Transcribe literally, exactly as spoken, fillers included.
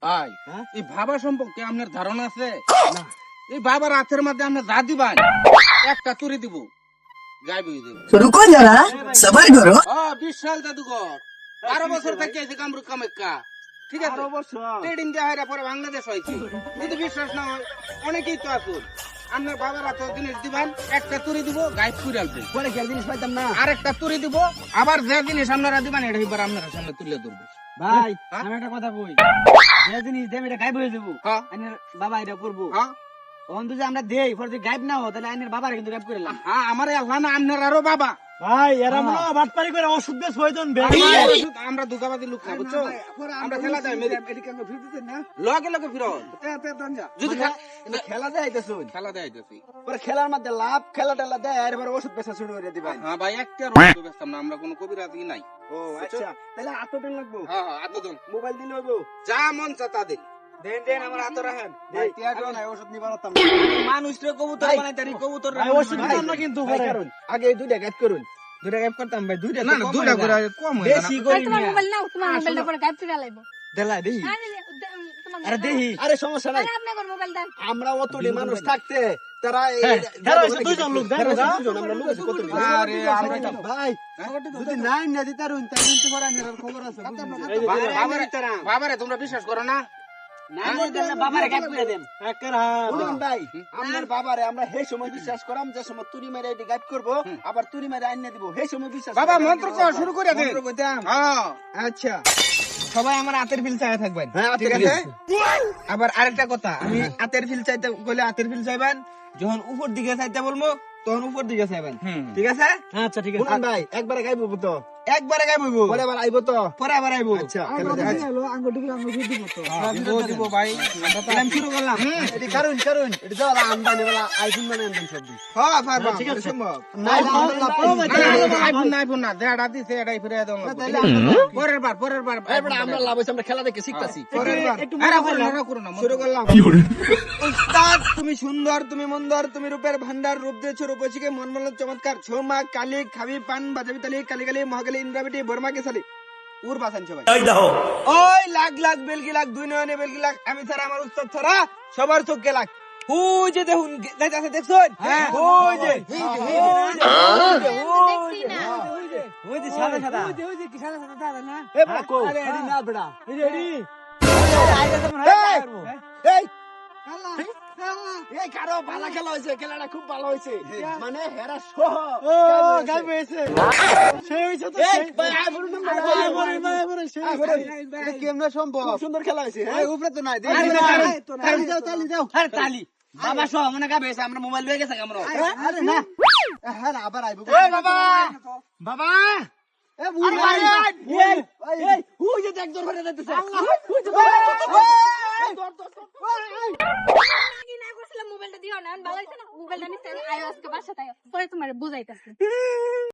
ভাই এই বাবা সম্পর্কে আপনার ধারণা আছে? এই বাবার হাতের মধ্যে আমরা যা দিবান একটা তুরি দিব, গায়ে বই দেব। रुको जरा सबर करो। হ্যাঁ, বিশাল জাদুঘর, বারো বছর থেকে আছে কামরূপ কামাখ্যা। ঠিক আছে, ট্রেডিং দেওয়া হয় পরে বাংলাদেশ হয়েছে। যদি বিশ্বাস না হয় অনেকেই তো আসুন, আপনার বাবার হাতে জিনিস দিবেন, একটা তুরি দিব, গায়ে পুরে আসবে, পরে খেয়াল জিনিস পাইতাম না আর একটা তুরি দিব, আবার যে জিনিস আপনারা দিবেন এটা এবার আপনারা সামনে তুলে ধরবে। ভাই। হ্যাঁ? আমি একটা কথা কই, যে জিনিস দেব এটা গায়েব হয়ে যাবো। হ্যাঁ। আইনের বাবা এটা করবো। হ্যাঁ তখন যদি আমরা দেই পরে যদি গায়েব না হয় তাহলে আইনের বাবার কিন্তু গায়েব করে দিলাম। হ্যাঁ, আমার আল্লাহ না আপনার আরো বাবা। ভাই এরা মনে হয় বাটপারি করে ওষুধ দিয়ে ছয়জন আমরা দুগাবাদি লোক না, বুঝছো? আমরা খেলা যাই লগে লগে ফিরত যদি খে- খেলা দেয় আইতেছো খেলা দেয় যাচ্ছি। পরে খেলার মধ্যে লাভ খেলা টেলা দেয় আর এবার ওষুধ পেশা শুরু করে দিবেন। হ্যাঁ ভাই, একটা রোগ বেচতাম না, আমরা কোনো কবিরাজি নাই। ও আচ্ছা, তাহলে আতদিন লাগবো। হ্যাঁ হ্যাঁ, আতজন মোবাইল দিলে হইবো। যা মন চা তা দিন। দেন দেন আমার হাতে রাখেন। ভাই, টিয়াটো নাই ওষুধ নিবা না। মানুষরে কবুতর ভাই, বানাই তারি কবুতর ভাই ওষুধ দিতাম না কিন্তু ভাই কারণ আগে এই দুইটা গায়েব করুন। দুইটা গায়েব করতাম ভাই, দুইটা না না, দুইটা করে কম হয়ে বেশি যায় না। করি ভাই, তোমার না। মোবাইল নাও, তোমার মোবাইলটা পরে গায়েব করে লাইবো। দেলা দেহি। আরে, দে- তোমার আরে মোবাইল দেহি। আরে সমস্যা নাই। আরে, আপনার মোবাইল দেন। আমরা অতটি মানুষ থাকতে তারা এই হ্যাঁ, যারা যারা হইছে অনেক দুইজন লোক, যারা দেখো, হইছে দুইজন, আমরা লোক আছে কত লোক। আরে, আমরা এটা- ভাই যদি নাই না দিতারুন তাই কিন্তু পরে আইনের খবর আছে। বা- বাবারে বাবারে তোমরা বিশ্বাস করো না? বাবারে গায়েব করে দেন। শুনুন ভাই, আপনার বাবারে আমরা সেই সময় বিশ্বাস করাম যে সময় তুরি মেরে এটি গায়েব করবো, আবার তুরি মেরে আইনে দিব সেই সময় বিশ্বাস বাবা করাম। মন্ত্র কর, শুরু করে দেন। মন্ত্র কইতাম। হ্যাঁ আচ্ছা সবাই আমার হাতের ফিল চাই থাকবেন, হ্যাঁ ঠিক ঠিক আছে? আছে। আবার আরেকটা কথা, আমি হাতের ফিল চাইতে বলে হাতের ফিল চাইবেন, যখন উপর দিকে চাইতে বলবো তখন উপর দিকে চাইবেন, হুম। ঠিক আছে? আচ্ছা ঠিক আছে। শুনুন ভাই, একবারে গায়েব হবো তো, একবারে গাইব হইবো, পরে আবার আইবো তো। পরে আবার আইবো। আচ্ছা খেলা দেখ। দিব দিব ভাই, আমরা তো- আমি শুরু করলাম। এটি কারণ কারণ এটি তো আমদানি বেলা আইফোন মানে আমদানি সব দিন। হ্যাঁ পারবা, ঠিক আছে। সম্ভব। নাই না, না, না, আইফোন না, আইফোন না, যেটা দিছে এটাই ফিরে দাও না। তাহলে পরের বার পরের বার এরপরে আমরা লাভ হইছে, আমরা খেলা দেখে শিখতাছি। পরের বার। আরে করো না, আরে করো না, শুরু করলাম। উস্তাদ তুমি সুন্দর, তুমি মন্দর, তুমি রূপের ভান্ডার, রূপ দিয়েছো রূপসীকে মন মন চমৎকার, ছৌমা কালি খাবি পান বাজাবি তালি কালি কালি মহাকালি ইন্দ্রাবিটি বর্মাকে সালি উর বাসান সবাই। ওই লাখ লাখ বেলকি লাখ দুই নয়নে বেলকি লাখ, আমি ছাড়া আমার উস্তাদ ছাড়া সবার চোখকে লাখ। হুই যে দেখুন যাইতাছে, দেখছো? হ্যাঁ। ওই যে দেখছি না। ওই যে সাদা সাদা। এ বড় কো। আরে এডি না বড়া। এডি এডি। এই এই কারো ভালো খেলা হয়েছে, খেলাটা খুব ভালো হয়েছে। মানে হেরা সহ গায়েব হয়েছে। সেই হয়েছে তো সেই। এটা কেমনে সম্ভব? খুব সুন্দর খেলা হয়েছে। এই উপরে তো নাই, আরে দেখি না, না। আরে, তালি দাও, তালি দাও। আরে তালি। বাবা সহ মনে গাবে আমরা মোবাইল লয়ে গেছে আমরা। আরে না। হ্যাঁ, আবার আইবো। এই বাবা। বাবা। এ বুড়ি আরে ভাই। এই এই হুই যে দেখ জোর করে দিতেছে। হুই যে কি না করছিলাম, মোবাইলটা দিও না, ভালো হইছে না? মোবাইলটা নিতে আয় আজকে বাসায়, তাই পরে তোমার বুঝাইতাছি।